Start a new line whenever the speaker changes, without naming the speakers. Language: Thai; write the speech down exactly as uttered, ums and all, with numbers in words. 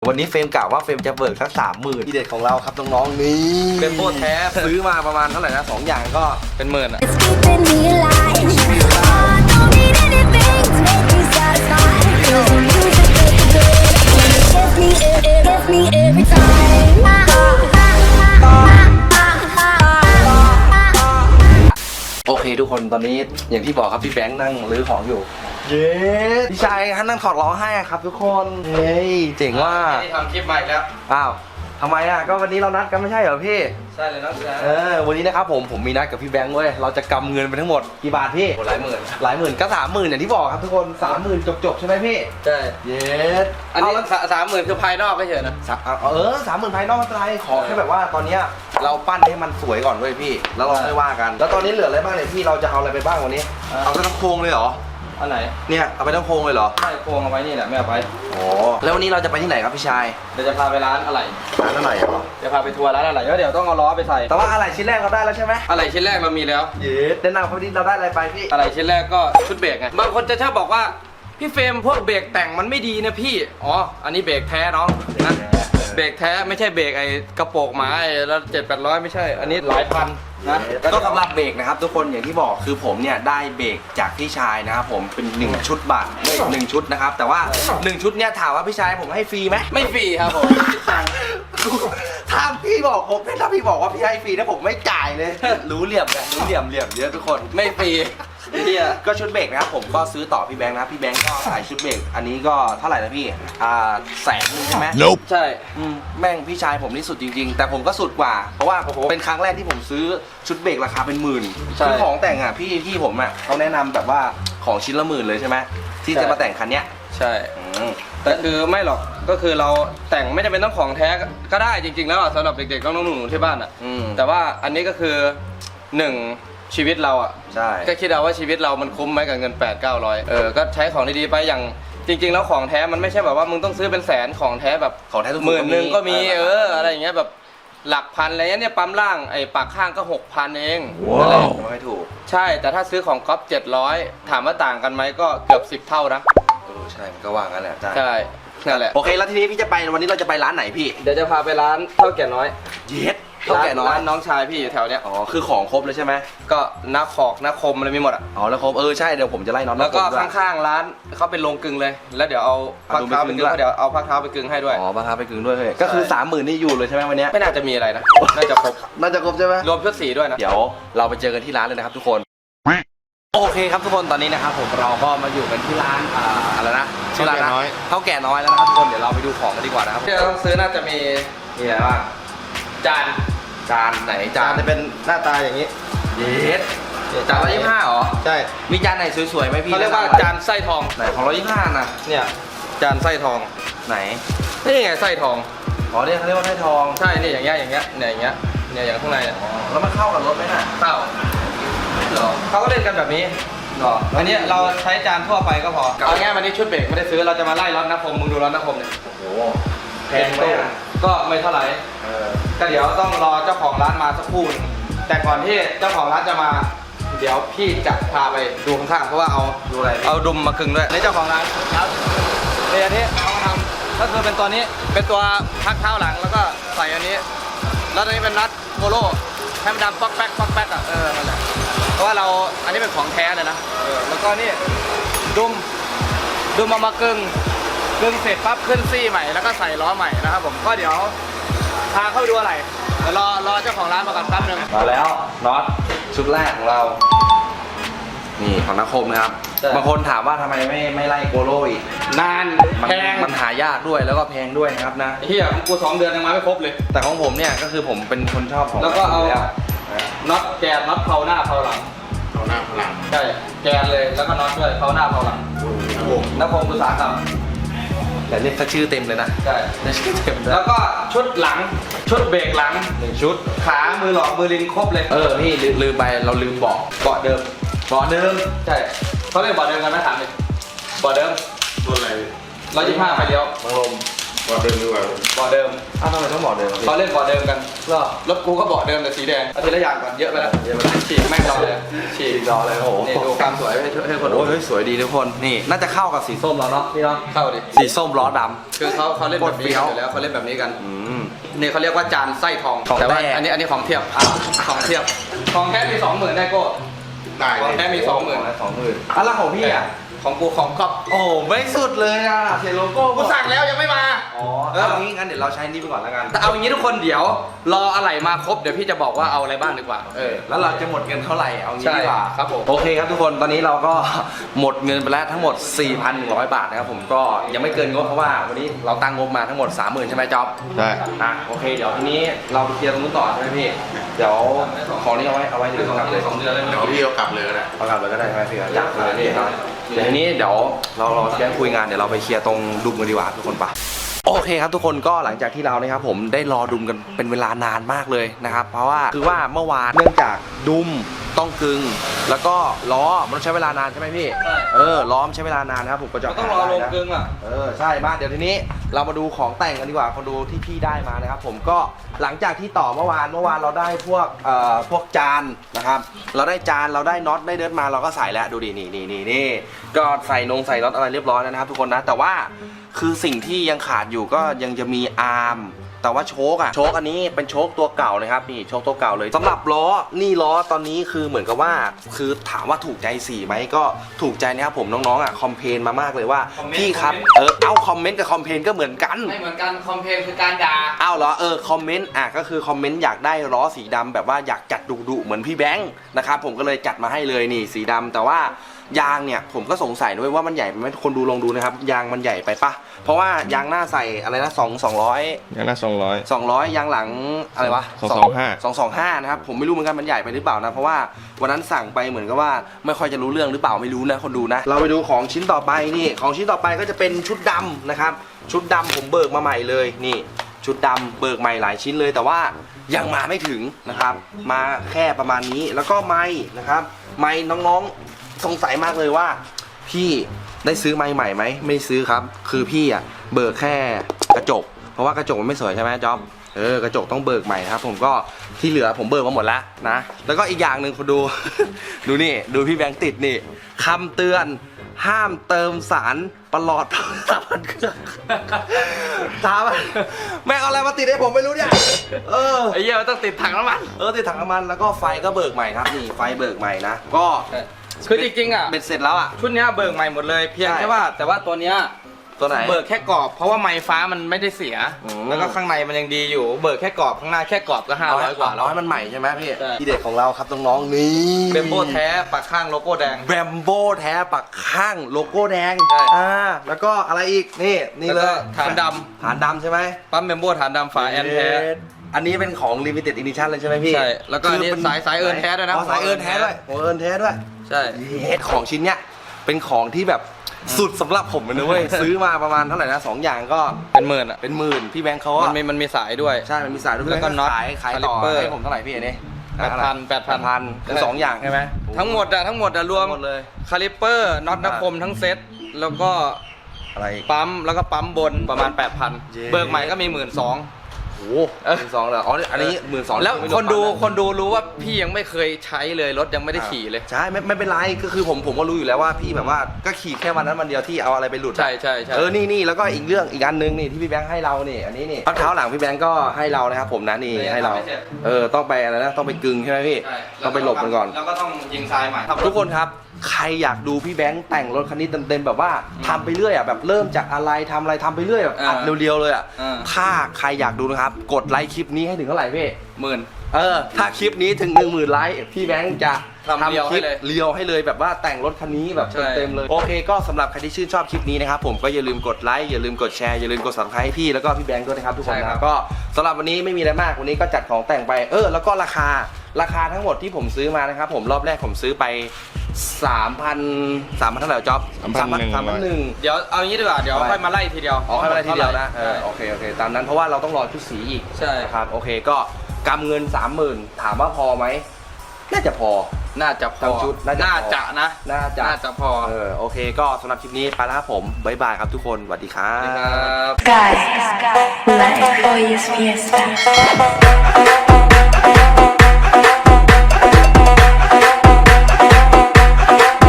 วันนี้เฟรมกล่าวว่าเฟรมจะเบิกสักสามหมื่นที่เด็ดของเราครับน้องๆนี่เป็นโบแท้ซื้อมาประมาณเท่าไหร่นะสองอย่างก็เป็นหมื่นอ่ะโอเคทุกคนตอนนี้อย่างที่บอกครับพี่แบงค์นั่งรื้อของอยู่เย้พี่ชายฮันนั่งถอดล้อให้ครับทุกคนเฮ้ยเจ๋งว่า
ที่ทำคลิปใหม่แล้ว
อ้าวทำไมอ่ะก็วันนี้เรานัดกันไม่ใช่เหรอพี่
ใช่เลยน้องชาย
เออวันนี้นะครับผมผมมีนัดกับพี่แบงค์เว้ยเราจะกำเงินไปทั้งหมดกี่บาทพี่
หลายหมื่น
หลายหมื่นก็สามหมื่นอย่างที่บอกครับทุกคนสามหมื่นจบๆใช่ไหมพี่
ใช่
เย้
อันนี้สามหมื่นคือภายนอกไม่เฉยนะ
เออสามหมื่นภายนอกไม่เป็นไรขอแค่แบบว่าตอนนี้เราปั้นให้มันสวยก่อนเว้ยพี่แล้วเราค่อยว่ากันแล้วตอนนี้เหลืออะไรบ้างเนี่ยพี่เราจะเอาอะไรไปบ้างวันนี้เอาทั้งโครงเลยเหรอ
อันไหน
เนี่ยเอาไปทั้งโครงเลยเหรอ
ไม่โครงเอาไว้นี่แหละไม่เอาไป
อ๋อแล้ววันนี้เราจะไปที่ไหนครับพี่ชาย
เดี๋ยวจะพาไปร้านอะไร
ร้านอะไรเหรอ
จะพาไปทัวร์ร้านอะไรแล้วเดี๋ยวต้องเอาล้อไปใส่
แต่ว่าอะไรชิ้นแรกเราได้แล้วใช่ไหม
อะไรชิ้นแรกเรามีแล้ว
เย้แนะนำเขาที่เราได้อะไรไปพี่
อะไรชิ้นแรกก็ชุดเบรกไงบางคนจะชอบบอกว่าพี่เฟรมพวกเบรกแต่งมันไม่ดีนะพี่อ๋ออันนี้เบรกแท้น้องนะเบรกแท้ไม่ใช่เบรกไอ้กระโปรงหมาไอ้แล้วเจ็ดแปดร้อยไม่ใช่อันนี้หลายพันนะ
ก็สำหรับเบรกนะครับทุกคนอย่างที่บอกคือผมเนี่ยได้เบรกจากพี่ชายนะครับผมเป็นหนึ่งชุดบาทหนึ่งชุดนะครับแต่ว่าหนึ่งชุดเนี่ยถามว่าพี่ชายผมให้ฟรีไหม
ไม่ฟรีครับผม
ถ้าพี่บอกผมถ้าพี่บอกว่าพี่ให้ฟรีนะผมไม่จ่ายเลยรู้เหลี่ยมกันรู้เหลี่ยมเหลี่ยมเยอะทุกคน
ไม่ฟรี
เนี่ยก็ชุดเบรกนะครับผมก็ซื้อต่อพี่แบงค์นะพี่แบงค์ก็ขายชุดเบรกอันนี้ก็เท่าไหร่นะพี่อ่าแสนนึงใช่ไหม
ใช่
แม่งพี่ชายผมนี่สุดจริงๆแต่ผมก็สุดกว่าเพราะว่าเป็นครั้งแรกที่ผมซื้อชุดเบรกราคาเป็นหมื่นคือของแต่งอ่ะพี่พี่ผมอ่ะเขาแนะนำแบบว่าของชิ้นละหมื่นเลยใช่ไหมที่จะมาแต่งคันเนี้ย
ใช่แต่คือไม่หรอกก็คือเราแต่งไม่จำเป็นต้องของแท้ก็ได้จริงๆแล้วสำหรับเด็กๆน้องๆหนูๆที่บ้านอ่ะแต่ว่าอันนี้ก็คือหนึ่งชีวิตเราอ่ะ
ใช่
ก็คิดเอาว่าชีวิตเรามันคุ้มไหมกับเงินแปดเก้าร้อยเออก็ใช้ของดีๆไปอย่างจริงๆแล้วของแท้มันไม่ใช่แบบว่ามึงต้องซื้อเป็นแสนของแท้แบบ
ของแท้ทุก
หมื่นหนึ่งก็มีเอออะไรอย่างเงี้ยแบบหลักพันอะไรเงี้ยเนี่ยปั๊มล่างไอ้ปากข้างก็หกพันเอง
อะไรไม่ถูก
ใช่แต่ถ้าซื้อของก๊อฟเจ็ดร้อยถามว่าต่างกันไหมก็เกือบสิบเท่านะ
เออใช่มันก็ว่างั้นแหละ
ใช่นั่นแหละ
โอเคแล้วทีนี้พี่จะไปวันนี้เราจะไปร้านไหนพี่
เดี๋ยวจะพาไปร้านเท่าแก่น้อย
เย็ดเท่าแก่น้อย
ร้านน้องชายพี่อยู่แถวเนี้ย
อ๋อคือของครบเลยใช่ไหม
ก็นักขอกนักคมอะไรมีหมดอ่ะ
อ๋อนักคมเออใช่เดี๋ยวผมจะไล่น้อง
แล้วก็ข้างๆร้านเขาเป็นโรงกึ่งเลยแล้วเดี๋ยวเอาพักเท้าไปกึ่งเดี๋ยวเอาพักเท้าไปกึ่งให้ด้วย
อ๋อพักเท้าไปกึ่งด้วยเลยก็คือสามหมื่นนี่อยู่เลยใช่ไหมวันนี้
ไม่น่าจะมีอะไรนะน่าจะครบ
น่าจะครบใช่ไหม
รวมชุดสีด้วยนะ
เดี๋ยวเราไปเจอกันที่ร้านเลยนะครับทุกคนโอเคครับทุกคนตอนนี้นะครับผมเราก็มาอยู่กันที่ร้านอ่าอะไรนะชื่อร้านน้อยเท่าแก่น้อยแล้วนะครับทุกคนเดี๋ยวเราไปดูของกันดีกว่านะครับ
ที่เราต้องซื้อน่าจะมี
มีอะไรบ้าง
จาน
จานไหนจาน
จะเป็นหน้าตาอย่างนี้
เย็ดจานร้อยยี่สิบห้าเหรอ
ใช่
มีจานไหนสวยๆไหมพี่
เขาเรียกว่าจานไส้ทอง
ไหนของร้อยยี่สิบห้าน่ะ
เนี่ยจานไส้ทอง
ไหน
นี่ไงไส้ทอง
อ๋อเนี่ยเขาเรียกว่าไส้ทอง
ใช่นี่อย่างเงี้ยอย่างเงี้ยเนี่ยอย่างเงี้ยเนี่ยอย่างข้างในเนี่ย
แล้วมันเข้ากับรถไหมน่ะ
เข้าเหรอเขาก็เล่นกันแบบนี้หรออันนี้เราใช้จานทั่วไปก็พอเอาง่ายวันนี้ชุดเบรกไม่ได้ซื้อเราจะมาไล่ร้อนนักคมมึงดูร้อนนักคมเนี่ย
โอ้โหแพงไหมอ่ะ
ก็ไม่เท่าไหร่ก็เดี๋ยวต้องรอเจ้าของร้านมาสักครู่แต่ก่อนที่เจ้าของร้านจะมาเดี๋ยวพี่จะพาไปดูข้างๆเพราะว่าเอา
ดูอะไร
เอาดุมมากึ่งด้วยนี่เจ้าของร้านครับเดี๋ยวนี้เอามาทำก็คือเป็นตัวนี้เป็นตัวพักเท้าหลังแล้วก็ใส่อันนี้แล้วตัวนี้เป็นนัทโกโร่ให้มันดำป๊อกแป๊กป๊อกแป๊กอ่ะเออนั่นแหละเพราะว่าเราอันนี้เป็นของแท้เลยนะเออแล้วก็นี่ดุมดุมมามากึ่งกึ่งเสร็จปั๊บขึ้นซี่ใหม่แล้วก็ใส่ล้อใหม่นะครับผมก็เดี๋ยวพาเข้าไปดูอะไรเดี๋ยวรอรอเจ้าของร้านมาก่อนแป๊บนึง
มาแล้วน็อตชุดแรกของเรานี่ของนักคมนะครับบางคนถามว่าทำไมไม่ไม่ไล่โกโร่อีก
นานแพง
มันหายากด้วยแล้วก็แพงด้วยนะครับนะ
เฮียกูสองเดือนยังมาไม่ครบเลย
แต่ของผมเนี่ยก็คือผมเป็นคนชอบของ
แล้วก็เอาน็อตแกนน็อตเผาหน้าเผาหลัง
เผาหน้าเผาหลัง
ใช่แกนเลยแล้วก็น็อตด้วยเผาหน้าเผาหลังนักคมอุตสาหกรรม
แต่เรียกเขาชื่อเต็มเลยนะ
ใช่
ชื่อเต็ม
แล้วก็ชุดหลังชุดเบรกหลังหนึ่งชุดขามือหลอกมือลิงครบเลย
เออพี่ลืมไปเราลืมเบาะ
เบาะเดิม
เบาะเดิม
ใช่เขาเรียกเบาะเดิมกันไหมถามเลยเบาะเดิม
ตัวอะไร
ร้อยยี่สิบห้าไฟเลี้ยว
บังลม
บอดเดิมดีกว่า
เบาะเดิม
อ้าวทำไมต้องบอกเดิม
เขาเล่นเบาะเดิมกัน
เหรอ
รถกูก็เบาะเดิมแต่สีแดงเอาทีละอย่างก่อนเยอะไปแล้วเยอะไปแล้วฉีกแม่งรอเลยฉีก
รอเลยโอ้โห
นี่ดูความสวยให้ให้คนดู
โอ้ยเฮ้ยสวยดีทุกคนนี่น่าจะเข้ากับสีส้มเราเนาะพี่เนาะ
เข้าดิ
สีส้มล้อด
คือเขาเขาเล่นแบบนี้
กดเฟี้ยว
อยู่แล้วเขาเล่นแบบนี้กัน
ำอืม
นี่เขาเรียกว่าจานไส้ทอง
ของ
แต่ว่า
แท้
อันนี้อันนี้ของเทียบของเทียบของแท้มีสองหมื่นได้โก้
ได้
ข
เล
อง
ย
แท้มีสองหมื่น
สองหมื่นอ่ะแล้วของพี่อ่ะ
ของกูของครอบ
โอ้ไม่สุดเลยอ่ะเขียนโลโก้
กูสั่งแล้วยังไม่มา
อ๋อ
เออ
เอางี้งั้นเดี๋ยวเราใช้นี่ไปก่อนแล้วกัน
แต่เอาอย่างนี้ทุกคนเดี๋ยวรออะไรมาครบเดี๋ยวพี่จะบอกว่าเอาอะไรบ้างดีกว่า
เออแล้วเราจะหมดเงินเท่าไหร่เอางี้
ใช่
ดีกว่า
ครับผม
โอเคครับทุกคนตอนนี้เราก็ หมดเงินไปแล้วทั้งหมด สี่พันหนึ่งร้อย บาทนะครับผมก็ยังไม่เกินงบเพราะว่าวันนี้เราตั้งงบมาทั้งหมด สามหมื่น ใช่ไหมจ๊อบ
ได้
อ่ะโอเคเดี๋ยวทีนี้เราไปเคลียร์ตรงนู้นต่อใช่ไหมพี่เดี๋ยวของนี้เอาไว้เอาไว้หรือกลับเลย
สองเดือนเลย
เดี๋ยวพี่เอากลับเลยก็ได้
เอากลับเลยก็ได้ใช่ไหมพี่อยากเลยพี่เดี๋ยวทีนี้เดี๋ยวเราเราแค่คุยงานเดี๋ยวเราไปเคลียร์ตรงดุมกันดีกว่าทุกคนปะโอเคครับทุกคนก็หลังจากที่เรานะครับผมได้รอดุมกันเป็นเวลานานมากเลยนะครับเพราะว่าคือว่าเมื่อวานเนื่องจากดุมต้องกึงแล้วก็ล้อมันต้องใช้เวลานานใช่ไหมพี่เออล้อมใช้เวลานานนะครับผมก็จะ
ต้องรอลงกึ่งอ่ะ
เออใช่มาเดี๋ยวทีนี้เรามาดูของแต่งกันดีกว่าคนดูที่พี่ได้มานะครับผมก็หลังจากที่ต่อเมื่อวานเมื่อวานเราได้พวกเอ่อพวกจานนะครับเราได้จานเราได้น็อตได้เดิร์ดมาเราก็ใส่แล้วดูดินี่นี่นี่นี่ก็ใส่นงใส่น็อตอะไรเรียบร้อยแล้วนะครับทุกคนนะแต่ว่าคือสิ่งที่ยังขาดอยู่ก็ยังจะมีอาร์มแต่ว่าโชคอะโชคอันนี้เป็นโชคตัวเก่านะครับนี่โชคตัวเก่าเลยสำหรับล้อนี่ล้อตอนนี้คือเหมือนกับว่าคือถามว่าถูกใจสีไหมก็ถูกใจนะครับผมน้องๆอะคอมเพลนมามากเลยว่า
คอมเมนต์
พี่ครับ
คอมเมนต์
เออเอาคอมเมนต์กับคอมเพลนก็เหมือนกัน
ไม่เหมือนกันคอมเพลนคือการด่า
อ้าวเหรอเออคอมเมนต์อ่ะก็คือคอมเมนต์อยากได้ล้อสีดำแบบว่าอยากจัดดุๆเหมือนพี่แบงค์นะครับผมก็เลยจัดมาให้เลยนี่สีดำแต่ว่ายางเนี่ยผมก็สงสัยด้วยว่ามันใหญ่ไหมคนดูลองดูนะครับยางมันใหญ่ไปปะเพราะว่ายางหน้าใส่อะไรนะสองสองร้อย
งั้นละสองร้อย
สองร้อยยางหลังอะไรวะ
สองสองห้า
สองสองห้านะครับผมไม่รู้เหมือนกันมันใหญ่ไปหรือเปล่านะเพราะว่าวันนั้นสั่งไปเหมือนกับว่าไม่ค่อยจะรู้เรื่องหรือเปล่าไม่รู้นะคนดูนะเราไปดูของชิ้นต่อไปนี่ของชิ้นต่อไปก็จะเป็นชุดดำนะครับชุดดำผมเบิกมาใหม่เลยนี่ชุดดำเบิกใหม่หลายชิ้นเลย แต่ว่ายังมาไม่ถึงนะครับมาแค่ประมาณนี้แล้วก็ไม้นะครับไม้น้องๆสงสัยมากเลยว่าพี่ได้ซื้อไม้ใหม่ไหมไม่ซื้อครับคือพี่อ่ะเบิกแค่กระจกเพราะว่ากระจกมันไม่สวยใช่ไหมจ๊อบเออกระจกต้องเบิกใหม่นะครับผมก็ที่เหลือผมเบิกมาหมดแล้วนะแล้วก็อีกอย่างหนึ่งคุณดู ดูนี่ดูพี่แบงค์ติดนี่คำเตือนห้ามเติมสารประหลอดสามพันเครื่องถามว่าแม่งเอาอะไรมาติดให้ผมไม่รู้เนี่ยเออ
ไอ้เหี้ยมันต้องติดถังน้ำมัน
เออติดถังน้ำมันแล้วก็ไฟก็เบิกใหม่ครับนี่ไฟเบิกใหม่นะก็
คือจริงๆอ่ะ
เบ็ดเสร็จแล้วอ่ะ
ชุดเนี้ยเบิกใหม่หมดเลยเพียง
ใช่
แค่ว่าแต่ว่าตัวเนี้ย
ตัวไหน
เบิกแค่กรอบเพราะว่าไม้ฟ้ามันไม่ได้เสีย
อืม
แล้วก็ข้างในมันยังดีอยู่ เบิกแค่กรอบข้างหน้าแค่กรอบก็ห้าร้อยกว่า
ร้อยมันใหม่ใช่ไหมพี่
ใช่
ที่เด็ดของเราครับน้องๆนี่
เบมโบแท้ปักข้างโลโก้แดง
แบมโบแท้ปักข้างโลโก้แดง
ใช่
อ่าแล้วก็อะไรอีกนี่นี่เล
แล้ว
ย
ก็ฐานด
ฐานดำใช่ไหม
ำปั๊มเบมโบฐานดำฝาแอนแท้
อันนี้เป็นของ limited edition เลยใช่ไหมพี่
ใช่แล้วก็อันนี้
คืเป็
สายสายเอิร์นแท้ด้วยนะ
อ๋อสายเอิร์นแท้ด้วยโอ้เอิร์นแท้ด้วย
ใช่
เฮ็ดของชิ้นเนี้ยเป็นของที่แบบสุดสำหรับผมเลยนะเว้ย ซื้อมาประมาณเท่าไหร่นะสองอย่างก็
เป็นหมื่นอ่ะ
เป็นหมื่นพี่แบงค์เขา
มั
อะ
นมีมันมีสายด้วย
ใช่มันมีสายด้วย
แล้วก็น็อต
ขายขายต่อ
คาลิปเปอร์
ให้ผมเท่าไหร่พี่อันนี้
แปดพันแปดพัน
พันคือสองอย่างใช่ไหม
ทั้งหมดอะทั้งหมดอะรวม
หมดเลย
คาลิปเปอร์น็อตนักคมทั้งเซ็ตแล้วก็
อะไรอีก
ปั๊มแล้วก็ปั๊มบนประมาณ แปดพัน
เย้
เบิกใหม่ก็มีหมื่นสอง
โอ้โหหมื่นสองเหรออ๋ออันนี้หมื่นสอง
แล้วคนดูคนดูรู้ว่าพี่ยังไม่เคยใช้เลยรถยังไม่ได้ขี่เลย
ใช่ไม่ไม่เป็นไรก็คือผมผมก็รู้อยู่แล้วว่าพี่แบบว่าก็ขี่แค่วันนั้นวันเดียวที่เอาอะไรไปหลุดอะ
ใช่ใช่ใช่
เออนี่นี่แล้วก็อีกเรื่องอีกอันนึงนี่ที่พี่แบงค์ให้เรานี่อันนี้นี่พักเท้าหลังพี่แบงค์ก็ให้เรานะครับผมนะนี่ให้เราเออต้องไปอะไรนะต้องไปกึงใช่ไหมพี่
ใช่
ต้องไปหลบมันก่อน
แล้วก็ต้องยิงทรายใหม่
ทุกคนครับใครอยากดูพี่แบงค์แต่งรถคันนี้เต็มๆแบบว่าทำไปเรื่อยอ่ะแบบเริ่มจากอะไรทำอะไรทำไปเรื่อยแบบอัดเรียวๆเลยอ่ะ
อ่า
ถ้าใครอยากดูนะครับกดไลค์คลิปนี้ให้ถึงเท่าไหร่พี่
หมื่น
เออถ้าคลิปนี้ถึงหนึ่งหมื่นไลค์พี่แบงค์จะ
ทำเรียว
ค
ให้
ลิป
เลย
เรียวให้เลยแบบว่าแต่งรถคันนี้แบบ
ใช่
เต็มๆเลยโอเคก็สำหรับใครที่ชื่นชอบคลิปนี้นะครับผมก็อย่าลืมกดไลค์อย่าลืมกดแชร์อย่าลืมกด ซับสไครบ์ ให้พี่แล้วก็พี่แบงค์ด้วยนะครับทุกคนนะก็สำหรับวันนี้ไม่มีอะไรมากวันนี้ก็จัดของแต่งไปเออแล้วก็ราคาราคาทั้งหมดที่ผมซื้อมานะครับผมรอบแรกผมซื้อไป สามพัน สามพันเท่าไหร่จ๊อบ
สามพันหนึ่ง
สามพันหนึ่ง
เดี๋ยวเอางี้ดีกว่าเดี๋ยว
เอาไว้
ค่อยมาไล่ทีเดียว
อ๋อให้มาได้ทีเดียวนะเอ
ใช่
อโอเคโอเคตามนั้นเพราะว่าเราต้องรอชุดสีอีก
ใช่
นะครับโอเคก็กำเงิน สามหมื่น ถามว่าพอไหมน่าจะพอ
น่าจะพอ
ทั้งชุดน่าจะพอ
น่าจะนะ
น่าจะ
น่าจะพอ
เออโอเคก็สำหรับคลิปนี้ไปแล้วครับผมบ๊ายบายครับทุกคนสวัสดีครั
สวัสดีครับ บ
Guys, life hoy es fiesta.